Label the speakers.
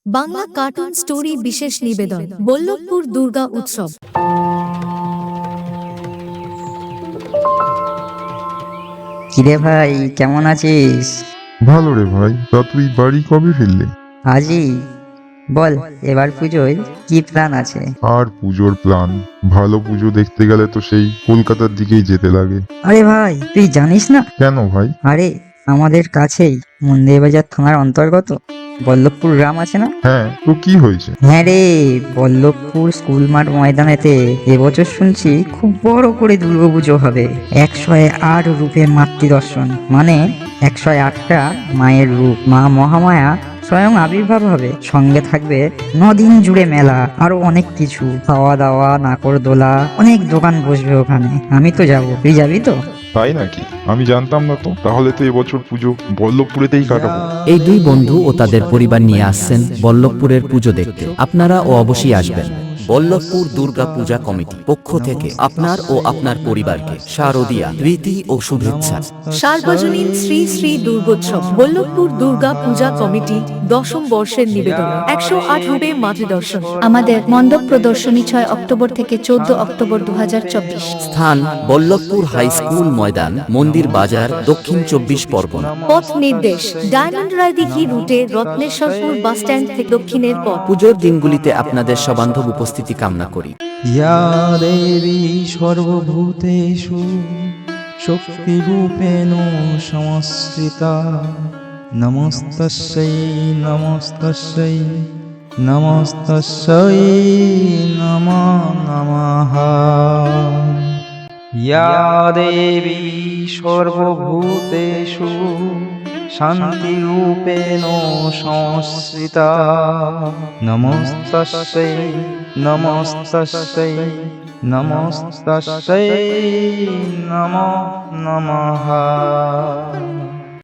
Speaker 1: Bangla cartoon story বিশেষ নিবেদন বল্লভপুর দুর্গা উৎসব।
Speaker 2: কিরে ভাই, কেমন আছিস?
Speaker 3: ভালো রে ভাই। তা তুই বাড়ি কবে ফিরলি?
Speaker 2: আজই। বল, এবার পুজোয় কি প্ল্যান আছে?
Speaker 3: আর পুজোর প্ল্যান? ভালো পুজো দেখতে গেলে তো সেই কলকাতার দিকেই যেতে লাগে।
Speaker 2: আরে ভাই, তুই জানিস না?
Speaker 3: কেন ভাই?
Speaker 2: আরে, আমাদের কাছেই মন্দিরবাজার থানার অন্তর্গত বল্লভপুর গ্রাম আছে না?
Speaker 3: হ্যাঁ, তো কি হয়েছে?
Speaker 2: হ্যাঁ রে, বল্লভপুর স্কুল মাঠ ময়দানেতে এবছর শুনছি খুব বড় করে দুর্গাপুজো হবে। 108 রূপে মাতৃ দর্শন, মানে 108টা মায়ের রূপ। মা মহামায়া স্বয়ং আবির্ভাব হবে। সঙ্গে থাকবে 9 দিন জুড়ে মেলা, আরো অনেক কিছু, খাওয়া দাওয়া, নাকরদোলা, অনেক দোকান বসবে ওখানে। আমি তো যাবো, তুই যাবি তো?
Speaker 3: তাই নাকি? আমি জানতাম না তো। তাহলে তো এবছর পুজো বল্লভপুরেতেই কাটাবো।
Speaker 4: এই দুই বন্ধু ও তাদের পরিবার নিয়ে আসছেন বল্লভপুরের পুজো দেখতে। আপনারাও অবশ্যই আসবেন। বল্লভপুর দুর্গা পূজা কমিটি পক্ষ থেকে আপনার ও আপনার পরিবারকে শারদীয়া প্রীতি ও শুভেচ্ছা।
Speaker 1: সার্বজনীন শ্রী শ্রী দুর্গোৎসব বল্লভপুর দুর্গা পূজা কমিটি 10ম বর্ষের নিবেদন 108 রূপে মাতৃদর্শন।
Speaker 5: আমাদের মণ্ডপ প্রদর্শনী 6 অক্টোবর থেকে 14 অক্টোবর 2024।
Speaker 4: স্থান বল্লভপুর হাই স্কুল ময়দান, মন্দির বাজার, দক্ষিণ 24 পরগনা।
Speaker 1: পথ নির্দেশ ডায়মন্ড রায়দিঘি রুটে রত্নেশ্বরপুর বাসস্ট্যান্ড থেকে দক্ষিণের পথ।
Speaker 4: পুজোর দিনগুলিতে আপনাদের সবান্ধব উপস্থিতি কামনা করি।
Speaker 6: या देवी सर्वभूतेषु शक्तिरूपेण संस्थिता नमस्तस्यै नमस्तस्यै नमस्तस्यै नमो नमः। या देवी सर्वभूतेषु शान्तिरूपेण संस्थिता नमस्तस्यै नमस्तस्यै नमस्तस्यै नमो नमः।